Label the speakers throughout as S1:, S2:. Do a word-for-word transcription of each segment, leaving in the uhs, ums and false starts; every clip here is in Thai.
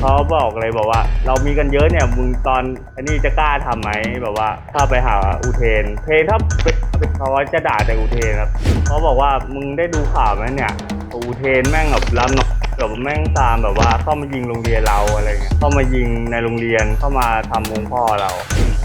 S1: เขาบอกเลยบอกว่าเรามีกันเยอะเนี่ยมึงตอนอันนี้จะกล้าทำไหมแบบว่าถ้าไปหาอุเทนเพนถ้าเป็นเขาจะด่าแต่อุเทนครับเขาบอกว่ามึงได้ดูข่าวไหมเนี่ยอุเทนแม่งแบบรับน้องแบบแม่งตามแบบว่าเข้ามายิงโรงเรียนเราอะไรเงี้ยเข้ามายิงในโรงเรียนเข้ามาทำวงพ่อเรา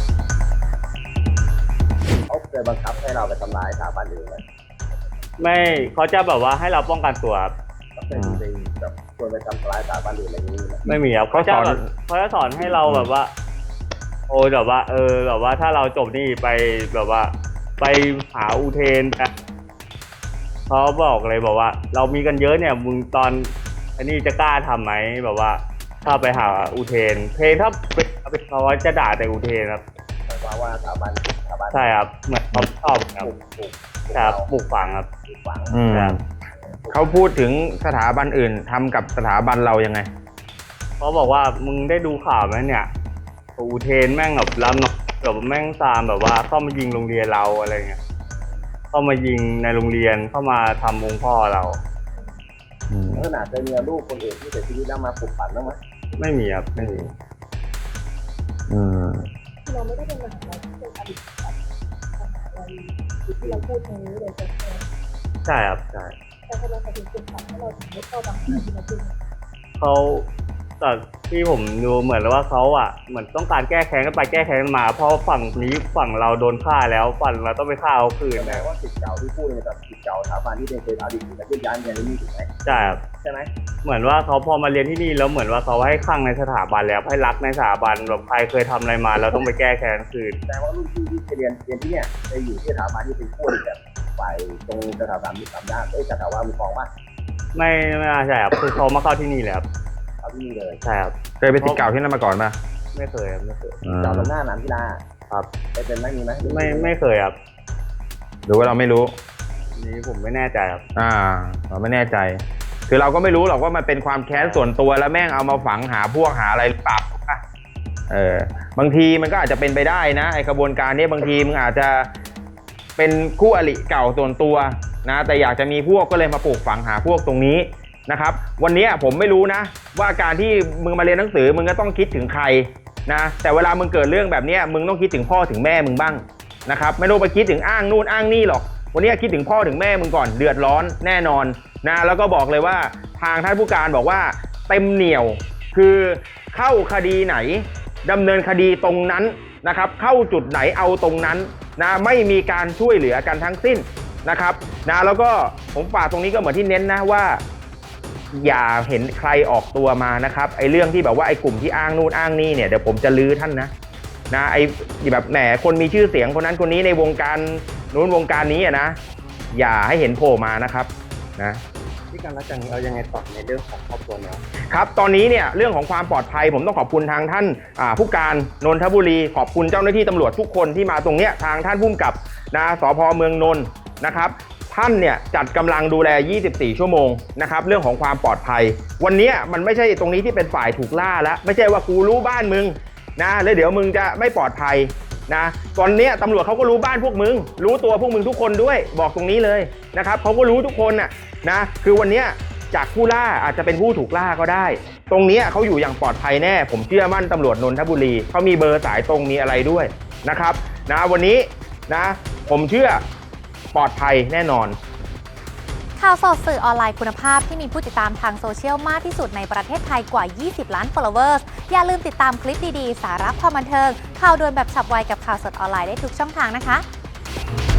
S2: เขาเคยบังคับให้เราไปทำลายสถาบันอื่นไหม
S1: ไม่เขาจะแบบว่าให้เราป้องกันตัวครับ
S2: เคยมีแบบชวนไปทำลายสถาบันอื่นอะไรอย่างนี้ไหม
S1: ไม่มีครับเขาจะแบบเขาจะสอนให้เราแบบว่าโอ้แบบว่าเออแบบว่าถ้าเราจบนี่ไปแบบว่าไปหาอุเทนเขาบอกเลยบอกว่าเรามีกันเยอะเนี่ยมึงตอนอันนี้จะกล้าทำไหมแบบว่าถ้าไปหาอุเทนเพนถ้าเป็นเขาจะด่าแต่อุเทนครับ
S2: หมายความว่าสถาบันสถาบัน
S1: ใช่ครับเหมือนเขาชอบครับครับปลูกฝังครับ
S2: ปลูกฝัง
S3: เขาพูดถึงสถาบันอื่นทำกับสถาบันเรายังไง
S1: เขาบอกว่ามึงได้ดูข่าวไหมเนี่ยอุเทนแม่งแบบรับน้องแบบแม่งตามแบบว่าเข้ามายิงโรงเรียนเราอะไรเงี้ยเข้ามายิงในโรงเรียนเข้ามาทำวงพ่อเรา
S2: ขนาดจะมีลูกคนอื่นที่เสียชีวิตแล้วมาปลุกปั่นบ้างไหม
S1: ไม่มีครับไม่มี
S3: อืม
S4: เราไม่ได้เป็นมหาลัยที่เป็นอดีตแบบมหาลัยที่เราพูดตรงนี้เลยใช่ไหม
S1: ใช่ครับใช่
S4: แต่ทำไมเขาถึงปลุกปั่นให้เราถึงไม่เข้าบางที่เราพูด
S1: เขาจากที่ผมดูเหมือนว่าเขาอ่ะเหมือนต้องการแก้แค้นกันไปแก้แค้นกันมาเพราะฝั่งนี้ฝั่งเราโดนฆ่าแล้วฝั่งเราต้องไปฆ่าเขาคืน
S2: นะว่าสิทธิ์เก่าที่พูดเนี่ยกับสิทธิ์เก่าสถาบันที่เป็นเคยอดีตและที่ย้ายเรียนที่นี่ถูกไหม
S1: ใช่ครับ
S2: ใช่ไหม
S1: เหมือนว่าเขาพอมาเรียนที่นี่แล้วเหมือนว่าเขาให้คลั่งในสถาบันแล้วให้รักในสถาบันแบบใครเคยทำอะไรมาเราต้องไปแก้แค้นคืน
S2: แต่ว่ารุ่นพี่ที่เรียนเรียนที่เนี่ยไปอยู่ที่สถาบันที่เป็นคู่แบบฝ่ายตรงสถาบันมีสัมญาเอ้ยสถาบันมีกองป่ะ
S1: ไม่ไม่ใช่ครับคือเขามาเข้าที่นี่แหละครับ
S2: เข้าที่นี่เลย
S1: ใช่ครับ
S3: เคยเป็นศิษย์เก่าที่นั่นมาก่อนป่ะ
S1: ไม่เคยครับไม่เคย
S2: เก่าตรงหน้าหนามกีฬา
S1: ครับ
S2: ไปเป็นไม่มีไหม
S1: ไม่ไม่เคยครับ
S3: หรือว่าเราไม่รู้
S1: นี่ผมไม่แน่ใจครับ
S3: อ่าเราไม่แน่ใจคือเราก็ไม่รู้หรอกว่ามันเป็นความแค้นส่วนตัวแล้วแม่งเอามาฝังหาพวกหาอะไรปรับเออบางทีมันก็อาจจะเป็นไปได้นะไอ้กระบวนการนี้บางทีมึงอาจจะเป็นคู่อริเก่าส่วนตัวนะแต่อยากจะมีพวกก็เลยมาปลูกฝังหาพวกตรงนี้นะครับวันนี้ผมไม่รู้นะว่าการที่มึงมาเรียนหนังสือมึงก็ต้องคิดถึงใครนะแต่เวลามึงเกิดเรื่องแบบนี้มึงต้องคิดถึงพ่อถึงแม่มึงบ้างนะครับไม่ต้องไปคิดถึงอ้างนู่นอ้างนี่หรอกวันนี้คิดถึงพ่อถึงแม่มึงก่อนเดือดร้อนแน่นอนนะแล้วก็บอกเลยว่าทางท่านผู้การบอกว่าเต็มเหนี่ยวคือเข้าคดีไหนดำเนินคดีตรงนั้นนะครับเข้าจุดไหนเอาตรงนั้นนะไม่มีการช่วยเหลือกันทั้งสิ้นนะครับนะแล้วก็ผมฝากตรงนี้ก็เหมือนที่เน้นนะว่าอย่าเห็นใครออกตัวมานะครับไอ้เรื่องที่แบบว่าไอ้กลุ่มที่อ้างนู่นอ้างนี่เนี่ยเดี๋ยวผมจะลื้อท่านนะนะไอ้แบบแหมคนมีชื่อเสียงคนนั้นคนนี้ในวงการนู้นวงการนี้อ่ะนะอย่าให้เห็นโผล่มานะครับนะ
S2: ที่การรักจังเรายังไงต่อในเรื่องของครอบครัวเนี่ย
S3: ครับตอนนี้เนี่ยเรื่องของความปลอดภัยผมต้องขอบคุณทางท่านผู้การนนทบุรีขอบคุณเจ้าหน้าที่ตำรวจทุกคนที่มาตรงเนี้ยทางท่านผู้กำกับนะสภ.เมืองนนท์นะครับท่านเนี่ยจัดกำลังดูแลยี่สิบสี่ชั่วโมงนะครับเรื่องของความปลอดภัยวันนี้มันไม่ใช่ตรงนี้ที่เป็นฝ่ายถูกล่าแล้วไม่ใช่ว่ากูรู้บ้านมึงนะแล้วเดี๋ยวมึงจะไม่ปลอดภัยนะตอนนี้ตำรวจเขาก็รู้บ้านพวกมึงรู้ตัวพวกมึงทุกคนด้วยบอกตรงนี้เลยนะครับเขาก็รู้ทุกคนน่ะนะคือวันนี้จากผู้ล่าอาจจะเป็นผู้ถูกล่าก็ได้ตรงนี้เขาอยู่อย่างปลอดภัยแน่ผมเชื่อมั่นตำรวจนนทบุรีเขามีเบอร์สายตรงมีอะไรด้วยนะครับนะวันนี้นะผมเชื่อปลอดภัยแน่นอน
S5: ข่าวสดสื่อออนไลน์คุณภาพที่มีผู้ติดตามทางโซเชียลมากที่สุดในประเทศไทยกว่ายี่สิบล้าน followers อย่าลืมติดตามคลิปดีๆสาระความบันเทิงข่าวด่วนแบบฉับไวกับข่าวสดออนไลน์ได้ทุกช่องทางนะคะ